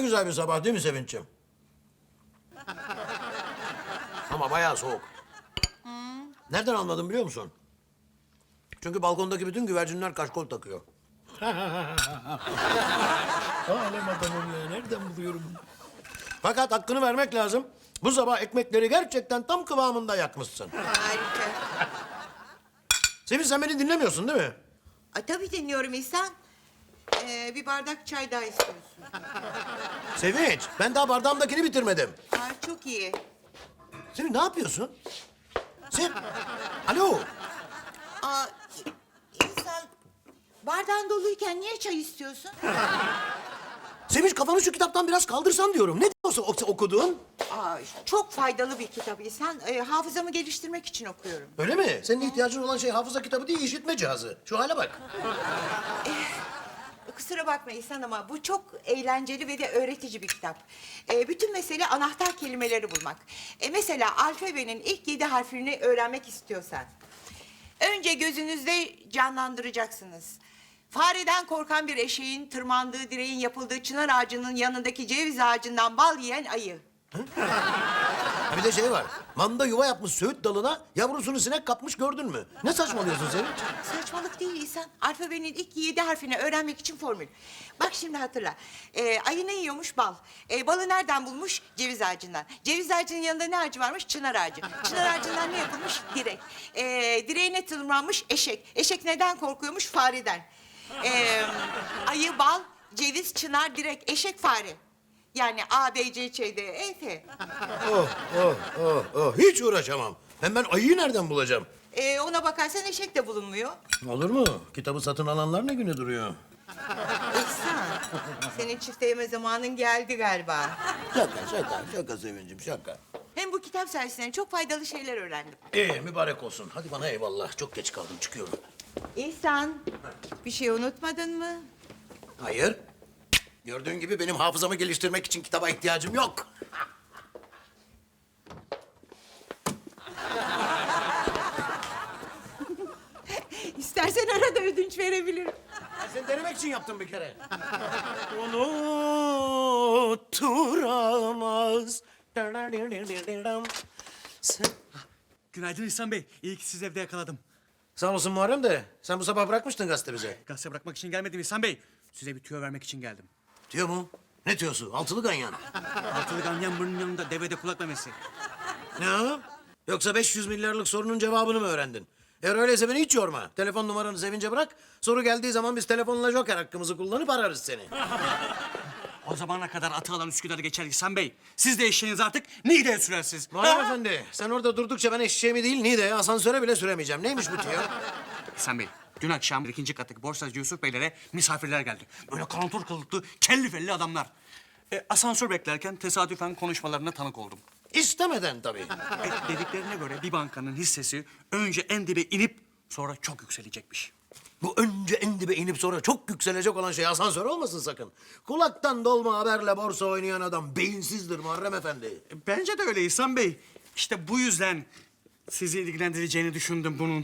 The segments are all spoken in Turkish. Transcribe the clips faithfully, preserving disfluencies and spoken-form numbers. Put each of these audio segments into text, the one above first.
güzel bir sabah değil mi Sevinç'im? Ama bayağı soğuk. Nereden anladım biliyor musun? Çünkü balkondaki bütün güvercinler kaşkol takıyor. Alem adamım ya. Nereden buluyorum? Fakat hakkını vermek lazım. Bu sabah ekmekleri gerçekten tam kıvamında yakmışsın. Harika. Sevinç sen beni dinlemiyorsun değil mi? Ay, tabii dinliyorum İhsan. Ee, bir bardak çay daha istiyorsun. Sevinç ben daha bardağımdakini bitirmedim. Ay, çok iyi. Sevinç ne yapıyorsun? Sen... Alo. Aa, İhsan, bardağın doluyken niye çay istiyorsun? Sevinç kafanı şu kitaptan biraz kaldırsan diyorum. Ne diyorsun o- okuduğun? Aa, çok faydalı bir kitap İhsan. Ee, hafızamı geliştirmek için okuyorum. Öyle mi? Senin ihtiyacın olan şey hafıza kitabı değil, işitme cihazı. Şu hale bak. Kusura bakma İhsan ama bu çok eğlenceli ve de öğretici bir kitap. Ee, bütün mesele anahtar kelimeleri bulmak. Ee, mesela alfabenin ilk yedi harfini öğrenmek istiyorsan... ...önce gözünüzde canlandıracaksınız. Fareden korkan bir eşeğin tırmandığı direğin yapıldığı çınar ağacının yanındaki ceviz ağacından bal yiyen ayı. Ha bir de şey var. Manda yuva yapmış söğüt dalına, yavrusunu sinek kapmış gördün mü? Ne saçmalıyorsun Sevinç? Saçmalık değil İhsan. Alfabenin ilk yedi harfini öğrenmek için formül. Bak şimdi hatırla. Ee, ayı ne yiyormuş? Bal. Ee, balı nereden bulmuş? Ceviz ağacından. Ceviz ağacının yanında ne ağacı varmış? Çınar ağacı. Çınar ağacından ne yapılmış? Direk. Ee, direğine tırmanmış? Eşek. Eşek neden korkuyormuş? Fareden. Ee, ayı, bal, ceviz, çınar, direk, eşek, fare. Yani A, B, C, Ç, D, E, F. Oh, oh, oh, oh. Hiç uğraşamam. Hem ben ayıyı nereden bulacağım? Ee, ona bakarsan eşek de bulunmuyor. Olur mu? Kitabı satın alanlar ne güne duruyor? İhsan, senin çifte yeme zamanın geldi galiba. Şaka, şaka, şaka Sevincim, şaka. Hem bu kitap sayesinde çok faydalı şeyler öğrendim. İyi, mübarek olsun. Hadi bana eyvallah. Çok geç kaldım, çıkıyorum. İhsan, bir şey unutmadın mı? Hayır. Gördüğün gibi benim hafızamı geliştirmek için kitaba ihtiyacım yok. İstersen arada ödünç verebilirim. Ben seni denemek için yaptım bir kere. Unuturamaz. Günaydın İhsan Bey. İyi ki sizi evde yakaladım. Sağ olasın Muharrem de. Sen bu sabah bırakmıştın gazete bize. Gazete bırakmak için gelmedim İhsan Bey. Size bir tüyo vermek için geldim. Tüyo mu? Ne tüyosu? Altılı ganyan. Altılı ganyan burnun yanında devede kulak memesi. Ne o? Yoksa beş yüz milyarlık sorunun cevabını mı öğrendin? Eğer öyleyse beni hiç yorma. Telefon numaranı Sevinç'e bırak. Soru geldiği zaman biz telefonla joker hakkımızı kullanıp ararız seni. O zamana kadar atı alan Üsküdar'ı geçer İhsan Bey. Siz de eşeğiniz artık Niğde'ye sürersiniz. Muharrem Efendi, sen orada durdukça ben eşeğimi değil Niğde'ye, asansöre bile süremeyeceğim. Neymiş bu tüyo? İhsan Bey, dün akşam ikinci kattaki borsacı Yusuf Beylere misafirler geldi. Böyle kantor kılıklı, kelli felli adamlar. E, asansör beklerken tesadüfen konuşmalarına tanık oldum. İstemeden tabii. E, dediklerine göre bir bankanın hissesi önce en dibe inip sonra çok yükselecekmiş. Bu önce en dibe inip sonra çok yükselecek olan şey asansör olmasın sakın. Kulaktan dolma haberle borsa oynayan adam beyinsizdir Muharrem Efendi. E, bence de öyle İhsan Bey. İşte bu yüzden sizi ilgilendireceğini düşündüm bunun.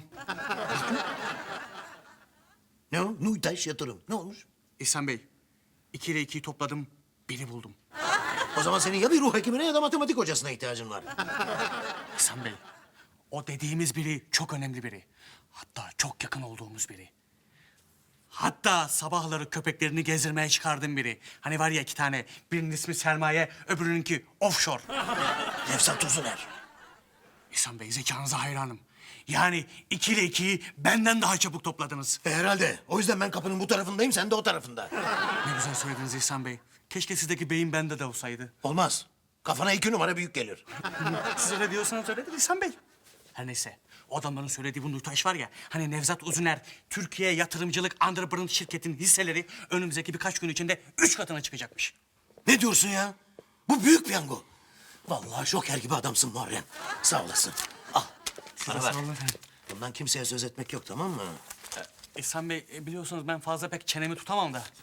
Ne o? Nuytaş yatırım. Ne olmuş? İhsan Bey, iki ile ikiyi topladım, biri buldum. O zaman senin ya bir ruh hekimine ya da matematik hocasına ihtiyacın var. İhsan Bey, o dediğimiz biri çok önemli biri. Hatta çok yakın olduğumuz biri. Hatta sabahları köpeklerini gezdirmeye çıkardığım biri. Hani var ya iki tane, birinin ismi Sermaye, öbürününki Offshore. Nevzat Uzuner. İhsan Bey, zekanıza hayranım. Yani iki ile ikiyi benden daha çabuk topladınız. E, herhalde. O yüzden ben kapının bu tarafındayım, sen de o tarafında. Ne güzel söylediniz İhsan Bey. Keşke sizdeki beyin bende de olsaydı. Olmaz. Kafana iki numara büyük gelir. Siz öyle diyorsanız öyledir İhsan Bey. Her neyse, o adamların söylediği bu Nurtaş var ya... ...hani Nevzat Uzuner, Türkiye Yatırımcılık Underbrand şirketinin hisseleri... ...önümüzdeki birkaç gün içinde üç katına çıkacakmış. Ne diyorsun ya? Bu büyük piyango. Vallahi şoker gibi adamsın Muharrem. Sağ olasın. Al. Bana Sağ ver. olun efendim. Bundan kimseye söz etmek yok, tamam mı? İhsan Bey, e, biliyorsunuz ben fazla pek çenemi tutamam da.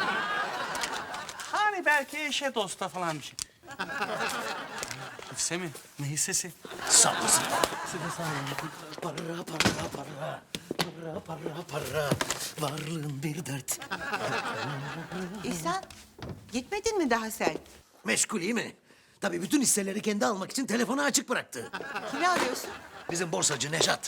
Hani belki eşe dosta falan bir şey. Hisse mi? Ne hissesi? Sağ olasın. Size sağ olun. Para, para, para. Para, para, para. Varlığın bir dert. İhsan, gitmedin mi daha sen? Meşgul iyi mi? Tabii bütün hisseleri kendi almak için telefonu açık bıraktı. Kimi arıyorsun? Bizim borsacı Nejat.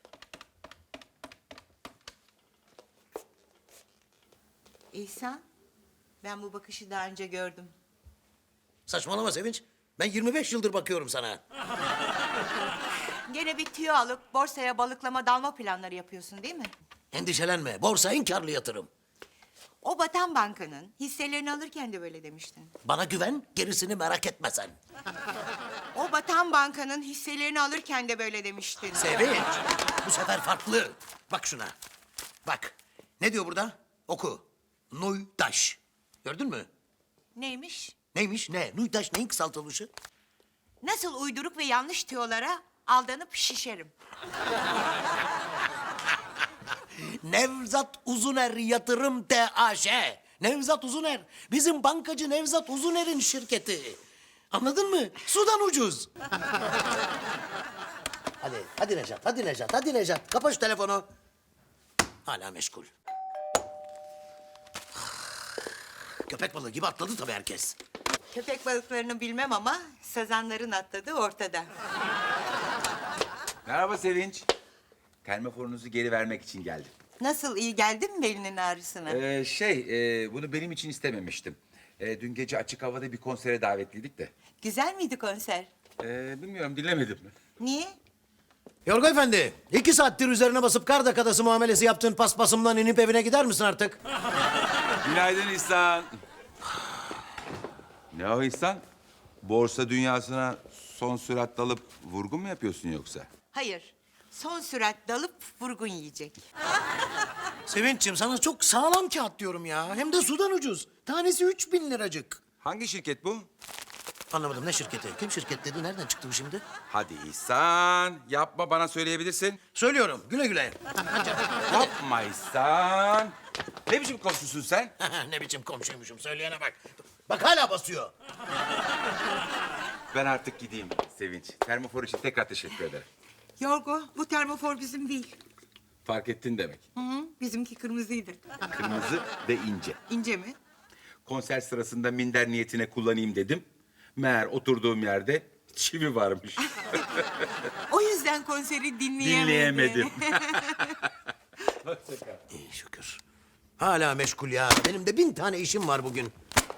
İhsan, ben bu bakışı daha önce gördüm. Saçmalama Sevinç. Ben yirmi beş yıldır bakıyorum sana. Gene bir tüyo alıp borsaya balıklama dalma planları yapıyorsun değil mi? Endişelenme. Borsa en karlı yatırım. O batan bankanın hisselerini alırken de böyle demiştin. Bana güven, gerisini merak etme sen. O batan bankanın hisselerini alırken de böyle demiştin. Sevinç, bu sefer farklı. Bak şuna. Bak. Ne diyor burada? Oku. Nuytaş. Gördün mü? Neymiş? Neymiş? Ne? Nuytaş neyin kısaltılışı? Nasıl uyduruk ve yanlış tüyolara aldanıp şişerim. Nevzat Uzuner Yatırım T A Ş. Nevzat Uzuner. Bizim bankacı Nevzat Uzuner'in şirketi. Anladın mı? Sudan ucuz. Hadi, hadi Nejat, hadi Nejat, hadi Nejat. Kapa şu telefonu. Hala meşgul. Köpek balığı gibi atladı tabii herkes. Köpek balıklarını bilmem ama sazanların atladığı ortada. Merhaba Sevinç. Termoforunuzu geri vermek için geldim. Nasıl, iyi geldi mi belinin ağrısına? Ee, şey, e, bunu benim için istememiştim. E, dün gece açık havada bir konsere davetliydik de. Güzel miydi konser? E, bilmiyorum, dinlemedim mi? Niye? Yorgo Efendi, iki saattir üzerine basıp kar dakikası muamelesi yaptığın paspasımdan inip evine gider misin artık? Günaydın İhsan. Ne o İhsan? Borsa dünyasına son sürat dalıp vurgun mu yapıyorsun yoksa? Hayır. Son sürat dalıp vurgun yiyecek. Sevinç'im sana çok sağlam kağıt diyorum ya. Hem de sudan ucuz. Tanesi üç bin liracık. Hangi şirket bu? Anlamadım ne şirketi? Kim şirket dedi? Nereden çıktı bu şimdi? Hadi İhsan, yapma, bana söyleyebilirsin. Söylüyorum güle güle. Yapma İhsan. Ne biçim komşusun sen? Ne biçim komşuymuşum söyleyene bak. Bak hala basıyor. Ben artık gideyim Sevinç. Termofor için tekrar teşekkür ederim. Yorgo, bu termofor bizim değil. Fark ettin demek. Hı hı, bizimki kırmızıydı. Kırmızı ve ince. İnce mi? Konser sırasında minder niyetine kullanayım dedim. Meğer oturduğum yerde çivi varmış. O yüzden konseri dinleyemedim. Dinleyemedim. İyi şükür. Hala meşgul ya. Benim de bin tane işim var bugün.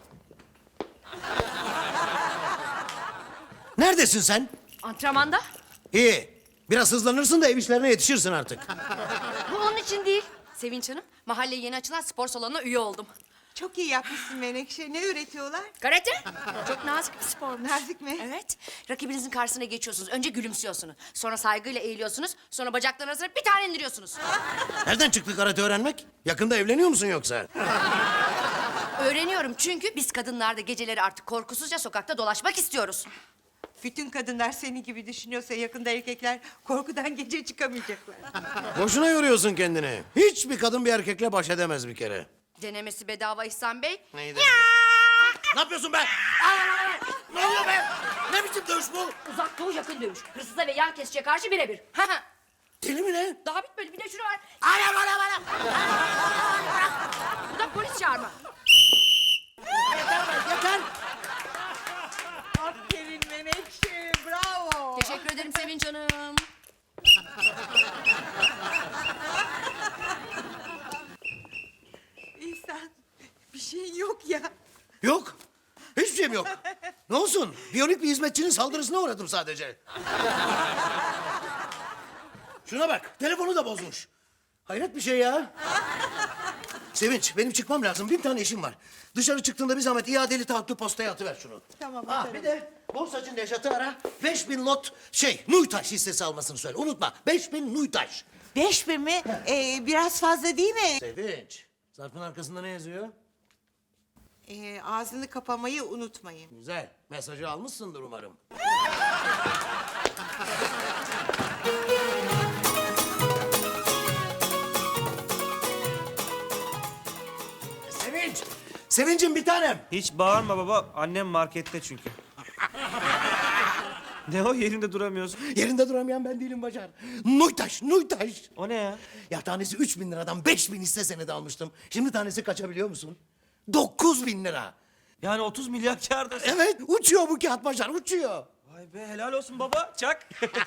Neredesin sen? Antrenmanda? İyi. Biraz hızlanırsın da ev işlerine yetişirsin artık. Bu onun için değil. Sevinç Hanım, mahalleye yeni açılan spor salonuna üye oldum. Çok iyi yapmışsın Menekşe. Ne öğretiyorlar? Karate. Çok nazik bir spor. Nazik mi? Evet. Rakibinizin karşısına geçiyorsunuz. Önce gülümsüyorsunuz. Sonra saygıyla eğiliyorsunuz. Sonra bacakların arasına bir tane indiriyorsunuz. Nereden çıktı karate öğrenmek? Yakında evleniyor musun yoksa? Öğreniyorum çünkü biz kadınlar da geceleri artık korkusuzca sokakta dolaşmak istiyoruz. Bütün kadınlar seni gibi düşünüyorsa yakında erkekler korkudan gece çıkamayacaklar. Boşuna yoruyorsun kendini. Hiçbir kadın bir erkekle baş edemez bir kere. Denemesi bedava İhsan Bey. Neydi? Ne yapıyorsun be? Aa, ne oluyor be? Ne biçim dövüş bu? Uzak doğu yakın dövüş. Hırsıza ve yan kesiciye karşı birebir. Deli mi ne? Daha bitmedi. Bir de şunu var. Anam anam anam. Bu da polis çağırma. Yeter. Aferin Menekşe, bravo. Teşekkür ederim Sevinç Hanım. İhsan, bir şey yok ya. Yok. Hiçbir şeyim yok. Ne olsun? Biyonik bir hizmetçinin saldırısına uğradım sadece. Şuna bak. Telefonu da bozmuş. Hayret bir şey ya. Sevinç, benim çıkmam lazım. Bin tane işim var. Dışarı çıktığında bir zahmet iadeli taahhütlü postaya atıver şunu. Tamam, Ha, atarım. bir de borsacı Nejat'ı ara. Beş bin lot şey, Nuytaş hissesi almasını söyle. Unutma. Beş bin Nuytaş. Beş bin mi? Ee, biraz fazla değil mi? Sevinç, zarfın arkasında ne yazıyor? Ee, ağzını kapamayı unutmayın. Güzel. Mesajı almışsındır umarım. Sevinç! Sevinç'im bir tanem. Hiç bağırma baba. Annem markette çünkü. Ne o yerinde duramıyorsun? Yerinde duramayan ben değilim Başar. Nuytaş, Nuytaş. O ne ya? Ya tanesi üç bin liradan beş bin hisse senedi almıştım. Şimdi tanesi kaça biliyor musun? Dokuz bin lira. Yani otuz milyar kârdasın. Evet, uçuyor bu kağıt Başar, uçuyor. Vay be helal olsun baba. Çak.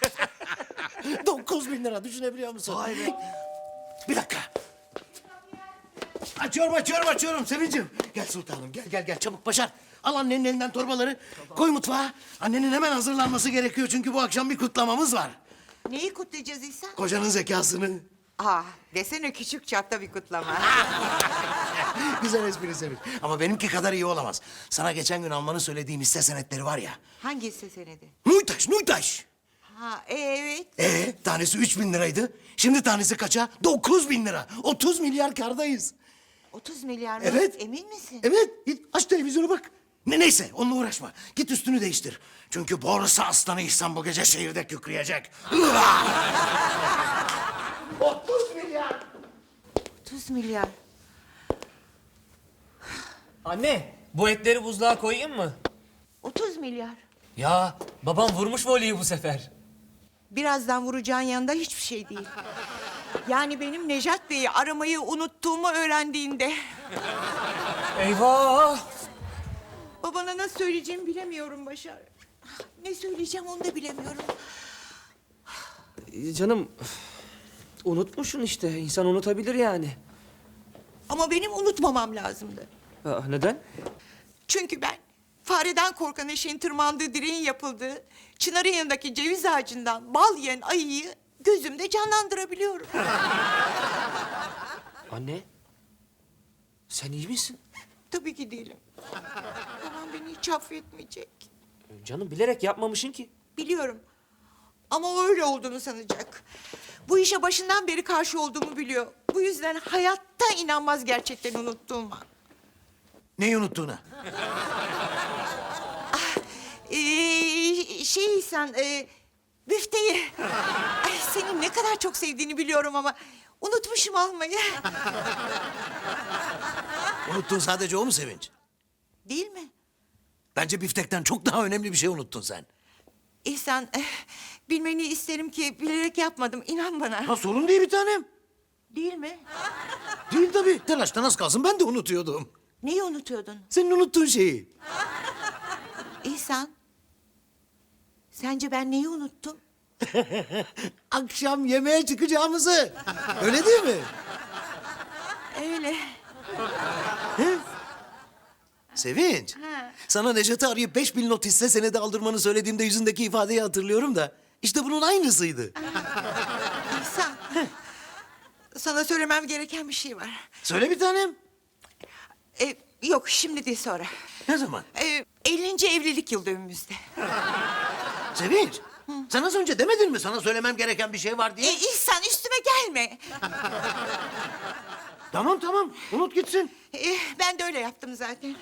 Dokuz bin lira düşünebiliyor musun? Vay be. Bir dakika. Açıyorum, açıyorum, açıyorum Sevincim. Gel sultanım, gel, gel, gel. Çabuk Başar. Al annenin elinden torbaları. Koy mutfağa. Annenin hemen hazırlanması gerekiyor çünkü bu akşam bir kutlamamız var. Neyi kutlayacağız İhsan? Kocanın zekasını. Aa, desene küçük çapta bir kutlama. Güzel espri Sevinç. Ama benimki kadar iyi olamaz. Sana geçen gün almanı söylediğim hisse senetleri var ya. Hangi hisse senedi? Nuytaş, Nuytaş. Ha, evet. Ee, tanesi üç bin liraydı. Şimdi tanesi kaça? Dokuz bin lira. Otuz milyar kardayız. otuz milyar mı? Evet. Emin misin? Evet, git aç televizyonu bak. Ne neyse, onunla uğraşma. Git üstünü değiştir. Çünkü borsa aslanı İhsan bu gece şehirde kükreyecek. Otuz milyar. otuz milyar. Anne, bu etleri buzluğa koyayım mı? otuz milyar. Ya, babam vurmuş voleyi bu sefer. Birazdan vuracağın yanında hiçbir şey değil. Yani benim Nejat Bey'i aramayı unuttuğumu öğrendiğinde... Eyvah! Babana nasıl söyleyeceğimi bilemiyorum Başar. Ne söyleyeceğim onu da bilemiyorum. Ee, Canım unutmuşsun işte. İnsan unutabilir yani. Ama benim unutmamam lazımdı. Aa, neden? Çünkü ben fareden korkan eşeğin tırmandığı direğin yapıldığı... ...çınarın yanındaki ceviz ağacından bal yiyen ayıyı gözümde canlandırabiliyorum. Anne. Sen iyi misin? Tabii ki değilim. Babam beni hiç affetmeyecek. Canım bilerek yapmamışsın ki. Biliyorum. Ama o öyle olduğunu sanacak. Bu işe başından beri karşı olduğumu biliyor. Bu yüzden hayatta inanmaz gerçekten unuttuğuma. Neyi unuttuğuna? Ee, şey sen, e, büfteyi. Ay, senin ne kadar çok sevdiğini biliyorum ama unutmuşum almayı. Unuttun sadece o mu Sevinç? Değil mi? Bence biftekten çok daha önemli bir şey unuttun sen. İhsan, eh, bilmeni isterim ki bilerek yapmadım. İnan bana. Ha sorun değil bir tanem. Değil mi? Değil tabii. Telaştan az kalsın ben de unutuyordum. Neyi unutuyordun? Senin unuttuğun şeyi. İhsan, sence ben neyi unuttum? Akşam yemeğe çıkacağımızı. Öyle değil mi? Öyle. Sevinç. Ha. Sana Necat'ı arayıp beş bin not hisse senedi aldırmanı söylediğimde yüzündeki ifadeyi hatırlıyorum da. İşte bunun aynısıydı. İhsan, sana söylemem gereken bir şey var. Söyle bir tanem. Ee, yok, şimdi değil sonra. Ne zaman? Ee, ellinci evlilik yıl dönümümüzde. Sevinç. Sen az önce demedin mi sana söylemem gereken bir şey var Ee, diye? İhsan üstüme gelme. Tamam tamam unut gitsin. Ee, ben de öyle yaptım zaten.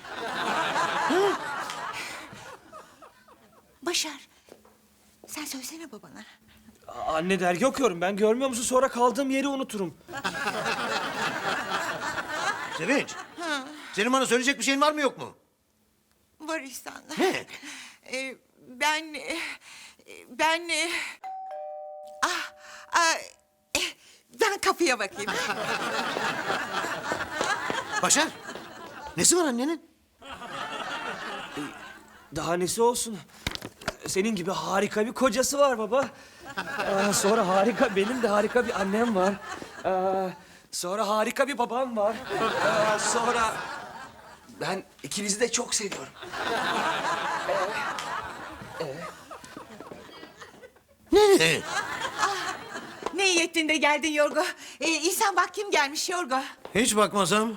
Başar, sen söylesene babana. Aa, Anne dergi okuyorum ben. Görmüyor musun? Sonra kaldığım yeri unuturum. Sevinç. Senin bana söyleyecek bir şeyin var mı yok mu? Var İhsan. Ne? Ee, ben... e, Ben... e, Ah, ah, eh, ben kapıya bakayım. Başar. Nesi var annenin? Daha nesi olsun? Senin gibi harika bir kocası var baba. Aa, sonra harika, benim de harika bir annem var. Aa, sonra harika bir babam var. Aa, sonra... Ben ikinizi de çok seviyorum. Ne? Ne iyi ettin de geldin Yorgo. Ee, İhsan bak kim gelmiş Yorgo. Hiç bakmasam.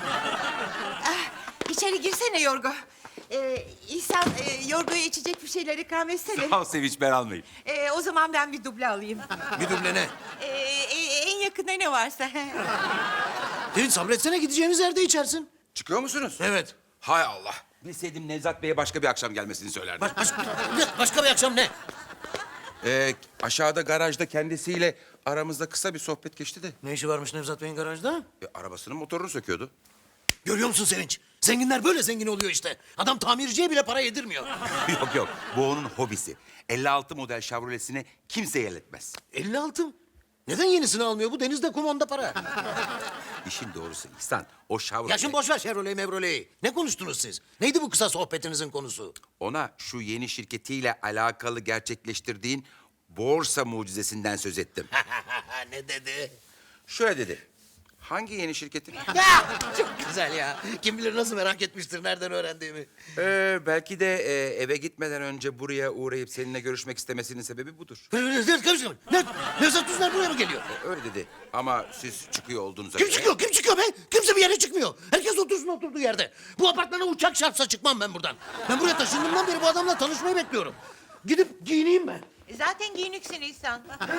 İçeri girsene Yorgo. Ee, İhsan e, Yorgo'ya içecek bir şeyler ikram etsene. Sağ ol Sevinç, ben almayayım. Ee, o zaman ben bir duble alayım. Bir duble ne? Ee, e- en yakında ne varsa. Sevinç sabretsene gideceğimiz yerde içersin. Çıkıyor musunuz? Evet. Hay Allah. Bilseydim Nevzat Bey'e başka bir akşam gelmesini söylerdim. Baş, baş, başka bir akşam ne? Ee, aşağıda garajda kendisiyle aramızda kısa bir sohbet geçti de. Ne işi varmış Nevzat Bey'in garajda? E, arabasının motorunu söküyordu. Görüyor musun Sevinç? Zenginler böyle zengin oluyor işte. Adam tamirciye bile para yedirmiyor. Yok yok, bu onun hobisi. elli altı model Chevrolet'sini kimse elletmez. elli altı mı? Neden yenisini almıyor? Bu denizde kum onda para. İşin doğrusu İhsan, o Chevrolet... Ya şimdi boş ver Chevrolet Mevrolet'i. Ne konuştunuz siz? Neydi bu kısa sohbetinizin konusu? Ona şu yeni şirketiyle alakalı gerçekleştirdiğin borsa mucizesinden söz ettim. Ne dedi? Şöyle dedi. Hangi yeni şirketi? Ya çok güzel ya. Kim bilir nasıl merak etmiştir nereden öğrendiğimi. Ee, belki de e, eve gitmeden önce buraya uğrayıp seninle görüşmek istemesinin sebebi budur. Ne? Nevzat Uzner buraya mı geliyor? E, öyle dedi. Ama siz çıkıyor olduğunuza Kim göre... çıkıyor? Kim çıkıyor be? Kimse bir yere çıkmıyor. Herkes otursun oturduğu yerde. Bu apartmana uçak çarpsa çıkmam ben buradan. Ben buraya taşındığımdan beri bu adamla tanışmayı bekliyorum. Gidip giyineyim ben. Zaten giyiniksin İhsan.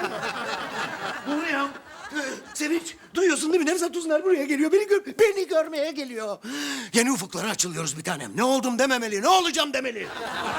Buraya. Ee, Sevinç, duyuyorsun değil mi? Nevzat Uzner buraya geliyor. Beni, gör beni görmeye geliyor. Yeni ufuklara açılıyoruz bir tanem. Ne oldum dememeli, ne olacağım demeli.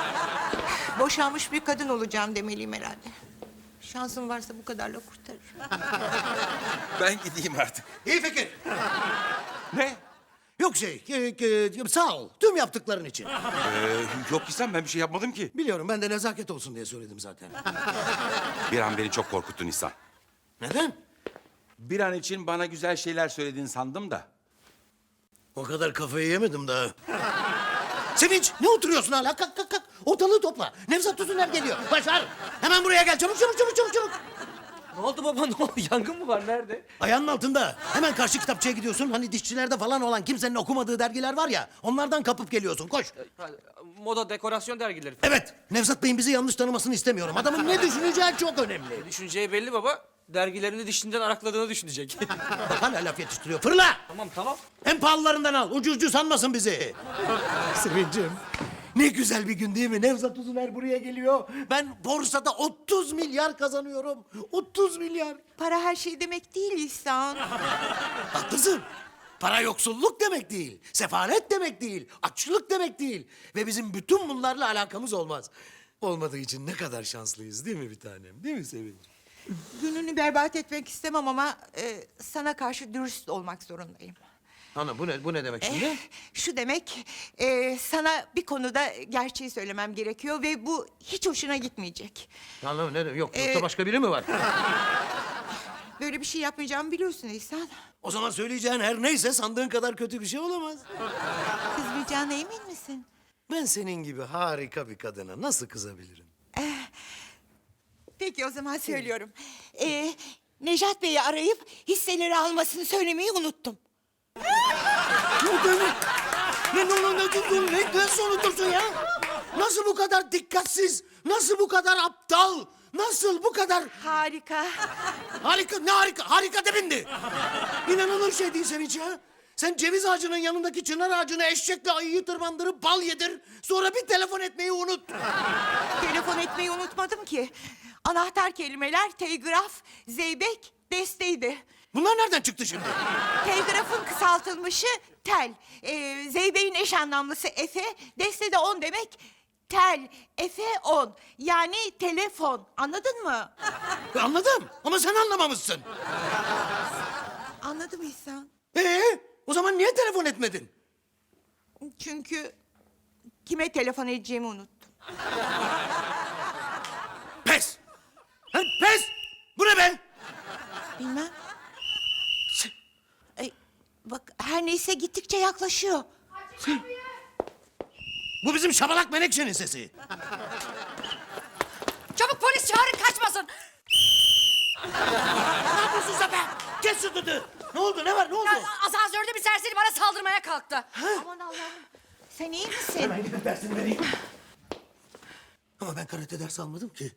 Boşanmış bir kadın olacağım demeliyim herhalde. Şansım varsa bu kadarla kurtarır. Ben gideyim artık. İyi fikir. Ne? Yok şey, e, e, sağ ol. Tüm yaptıkların için. Ee, yok İhsan, ben bir şey yapmadım ki. Biliyorum, ben de nezaket olsun diye söyledim zaten. Bir an beni çok korkuttun İhsan. Neden? Bir an için bana güzel şeyler söylediğini sandım da. O kadar kafayı yemedim daha. Sevinç, ne oturuyorsun hala? Kalk, kalk, kalk. Ortalığı topla. Nevzat Uzner geliyor. Başar, hemen buraya gel. Çabuk, çabuk, çabuk, çabuk, çabuk. Ne oldu baba, ne oldu? Yangın mı var, nerede? Ayağının altında. Hemen karşı kitapçıya gidiyorsun. Hani dişçilerde falan olan kimsenin okumadığı dergiler var ya. Onlardan kapıp geliyorsun. Koş. Moda, dekorasyon dergileri. Evet. Nevzat Bey'in bizi yanlış tanımasını istemiyorum. Adamın ne düşüneceği çok önemli. Düşüneceği belli baba. Dergilerini dişinden arakladığını düşünecek. Bak hala laf yetiştiriyor. Fırla. Tamam tamam. En pahalılarından al. Ucu ucu sanmasın bizi. Sevincim. Ne güzel bir gün değil mi? Nevzat Uzner buraya geliyor. Ben borsada otuz milyar kazanıyorum. otuz milyar. Para her şey demek değil İhsan. Haklısın. Para yoksulluk demek değil. Sefalet demek değil. Açlık demek değil. Ve bizim bütün bunlarla alakamız olmaz. Olmadığı için ne kadar şanslıyız değil mi bir tanem? Değil mi Sevinç? Gününü berbat etmek istemem ama e, sana karşı dürüst olmak zorundayım. Ana bu ne, bu ne demek şimdi? Eh, şu demek, e, sana bir konuda gerçeği söylemem gerekiyor ve bu hiç hoşuna gitmeyecek. Anladım ne demek? Yok Ee, yoksa başka biri mi var? Böyle bir şey yapmayacağımı biliyorsun İhsan. O zaman söyleyeceğin her neyse sandığın kadar kötü bir şey olamaz. Kızmayacağına emin misin? Ben senin gibi harika bir kadına nasıl kızabilirim? Peki o zaman söylüyorum. Ee, Nejat Bey'i arayıp hisseleri almasını söylemeyi unuttum. Ne demek? Ne, ne, ne, ne, ne, ne, nasıl unutursun ya? Nasıl bu kadar dikkatsiz? Nasıl bu kadar aptal? Nasıl bu kadar... Harika. Harika, ne harika? Harika de bindi. İnanılır şey değil Sevinç ya. Sen ceviz ağacının yanındaki çınar ağacına eşekle ayıyı tırmandırıp bal yedir. Sonra bir telefon etmeyi unut. Telefon etmeyi unutmadım ki. Anahtar kelimeler telgraf, zeybek, desteydi. Bunlar nereden çıktı şimdi? Telgrafın kısaltılmışı tel. Ee, zeybeğin eş anlamlısı efe, deste de on demek. Tel, efe, on. Yani telefon. Anladın mı? Anladım ama sen anlamamışsın. Anladım İhsan. Ee, o zaman niye telefon etmedin? Çünkü kime telefon edeceğimi unuttum. Pes! Ha, pes! Bu ne be? Bilmem. Ay, bak her neyse gittikçe yaklaşıyor. Bu bizim şabalak Menekşe'nin sesi. Çabuk polis çağırın kaçmasın. Ne yapıyorsun sen be? Kes şu düdüğü. Ne oldu? Ne var? Ne oldu? Ya, asansörde bir serseri bana saldırmaya kalktı. Aman Allah'ım. Sen iyi misin? Hemen gidip dersini vereyim. Ama ben karate dersi almadım ki.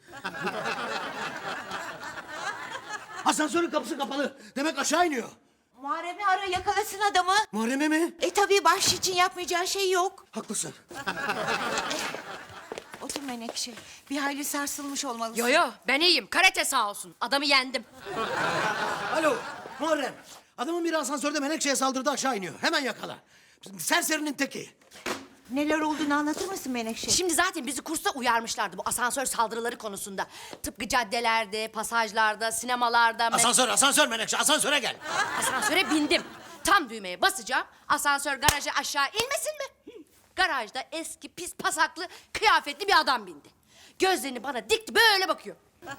Asansörün kapısı kapalı. Demek aşağı iniyor. Muharrem'i ara yakalasın adamı. Muharrem'e mi? E tabii bahşiş için yapmayacağı şey yok. Haklısın. Otur Menekşe. Bir hayli sarsılmış olmalısın. Yo yo ben iyiyim. Karate sağ olsun. Adamı yendim. Alo Muharrem. Adamın biri asansörde Menekşe'ye saldırdı aşağı iniyor. Hemen yakala. Serserinin teki. Neler olduğunu anlatır mısın Menekşe? Şimdi zaten bizi kursta uyarmışlardı bu asansör saldırıları konusunda. Tıpkı caddelerde, pasajlarda, sinemalarda... me- Asansör, asansör Menekşe. Asansöre gel. Asansöre bindim. Tam düğmeye basacağım. Asansör garaja aşağı inmesin mi? Garajda eski pis pasaklı kıyafetli bir adam bindi. Gözlerini bana dikti böyle bakıyor.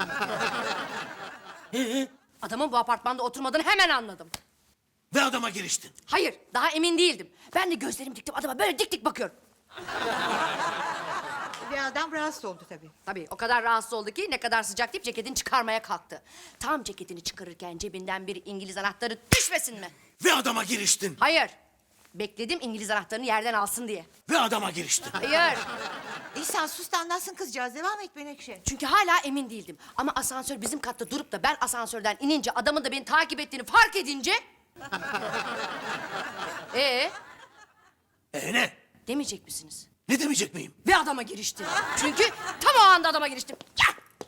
Adamın bu apartmanda oturmadığını hemen anladım. Ve adama giriştin. Hayır, daha emin değildim. Ben de gözlerimi diktim adama böyle dik dik bakıyorum. Ve adam rahatsız oldu tabii. Tabii o kadar rahatsız oldu ki ne kadar sıcak deyip ceketini çıkarmaya kalktı. Tam ceketini çıkarırken cebinden bir İngiliz anahtarı düşmesin mi? Ve adama giriştin. Hayır. Bekledim İngiliz anahtarını yerden alsın diye. Ve adama giriştin. Hayır. İhsan sus da anlatsın kızcağız. Devam et Menekşe. Çünkü hala emin değildim. Ama asansör bizim katta durup da ben asansörden inince adamın da beni takip ettiğini fark edince... Ee, E ne? demeyecek misiniz? Ne demeyecek miyim? Ve adama giriştim. Çünkü tam o anda adama giriştim. Ya!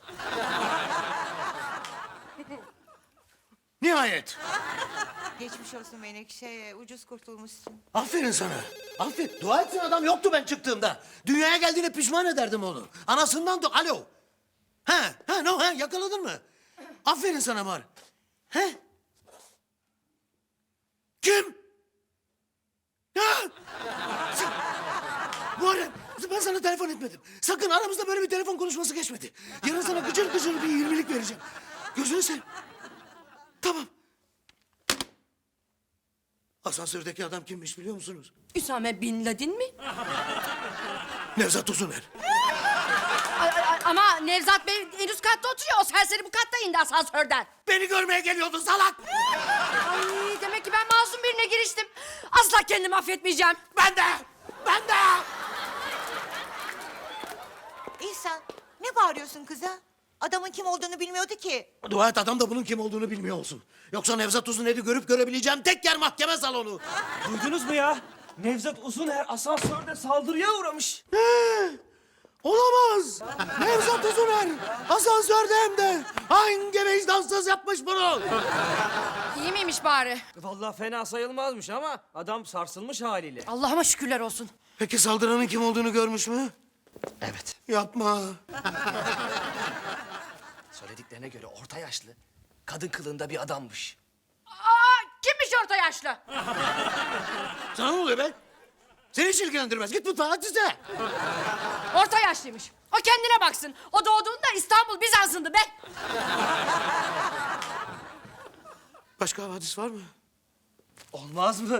Nihayet. Geçmiş olsun Menekşe. Ucuz kurtulmuşsun. Aferin sana. Aferin. Dua etsin adam yoktu ben çıktığımda. Dünyaya geldiğine pişman ederdim onu. Anasından da... Alo. Ha, ha, no, ha, yakaladın mı? Aferin sana Mar. He? Kim? Ha? Sen... Muharrem, ben sana telefon etmedim. Sakın aramızda böyle bir telefon konuşması geçmedi. Yarın sana gıcır gıcır bir yirmilik vereceğim. Gözünü seveyim. Tamam. Asansördeki adam kimmiş biliyor musunuz? Üsame Bin Laden mi? Nevzat Uzuner. Ay, ay, ay, ama Nevzat Bey en üst katta oturuyor. O serseri bu katta indi asansörden. Beni görmeye geliyordu salak. Ay, demek ki ben masum birine giriştim. Asla kendimi affetmeyeceğim. Ben de. Ben de. İhsan ne bağırıyorsun kıza? Adamın kim olduğunu bilmiyordu ki. Dua et adam da bunun kim olduğunu bilmiyor olsun. Yoksa Nevzat Uzuner'i görüp görebileceğim tek yer mahkeme salonu. Duydunuz mu ya? Nevzat Uzuner asansörde saldırıya uğramış. He, olamaz. Nevzat Uzuner asansörde hem de. Hangi vicdansız yapmış bunu? İyi miymiş bari? Vallahi fena sayılmazmış ama adam sarsılmış haliyle. Allah'ıma şükürler olsun. Peki saldıranın kim olduğunu görmüş mü? Evet. Yapma. Söylediklerine göre orta yaşlı, kadın kılığında bir adammış. Aa, kimmiş orta yaşlı? Sana ne oluyor be? Seni hiç ilgilendirmez. Git mutfağa hadi size. Orta yaşlıymış. O kendine baksın. O doğduğunda İstanbul Bizans'ındı be. Başka havadis var mı? Olmaz mı?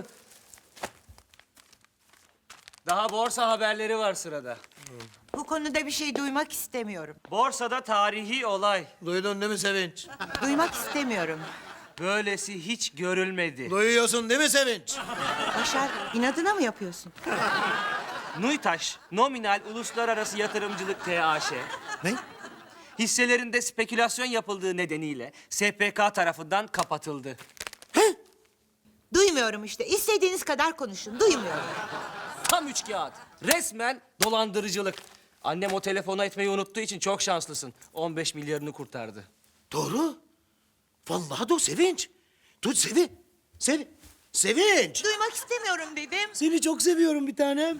Daha borsa haberleri var sırada. Bu konuda bir şey duymak istemiyorum. Borsada tarihi olay. Duydun değil mi Sevinç? Duymak istemiyorum. Böylesi hiç görülmedi. Duyuyorsun değil mi Sevinç? Başar inadına mı yapıyorsun? Nuytaş, nominal uluslararası yatırımcılık T A Ş. Ne? Hisselerinde spekülasyon yapıldığı nedeniyle S P K tarafından kapatıldı. Duymuyorum işte. İstediğiniz kadar konuşun. Duymuyorum. Tam üç kağıt. Resmen dolandırıcılık. Annem o telefonu etmeyi unuttuğu için çok şanslısın. on beş milyarını kurtardı. Doğru. Vallahi de o Sevinç. Dur Sevi. Sevi. Sevinç. Duymak istemiyorum dedim. Seni çok seviyorum bir tanem.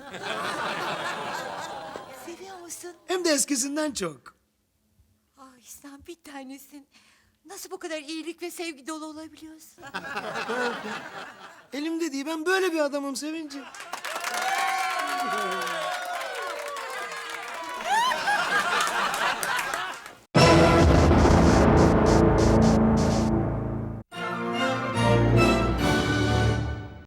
Seviyor musun? Hem de eskisinden çok. Ah İhsan bir tanesin. Nasıl bu kadar iyilik ve sevgi dolu olabiliyorsun? Elimde değil ben böyle bir adamım Sevinç'im.